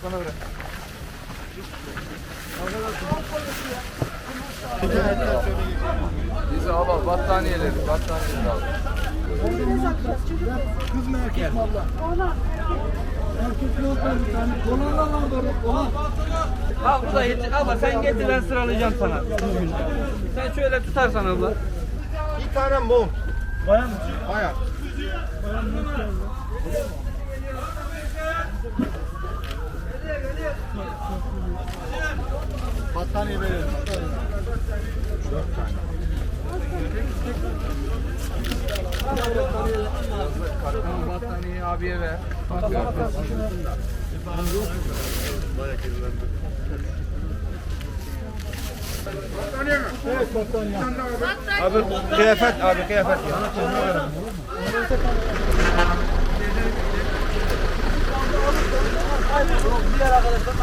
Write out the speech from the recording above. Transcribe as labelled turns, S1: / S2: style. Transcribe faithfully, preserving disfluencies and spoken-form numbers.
S1: bana bırak. Bize al al battaniyeleri, battaniyeleri al.
S2: Kız mı erkek mi abla? Erkek yok bir tane. Dolarla lan böyle. Dolar.
S3: Al bu da yeter. Abla sen getir ben sıralayacağım sana. Sen şöyle tutarsan abla.
S4: Bir tane mont.
S2: Bayan mı?
S4: Bayağı.
S2: Bayan mı?
S4: Battaniye verelim. Dört tane.
S1: Tamam battaniyeyi abiye ver.
S4: Battaniye mi?
S2: Evet battaniye.
S4: Abi kıyafet abi kıyafet.
S3: Diğer arkadaşlar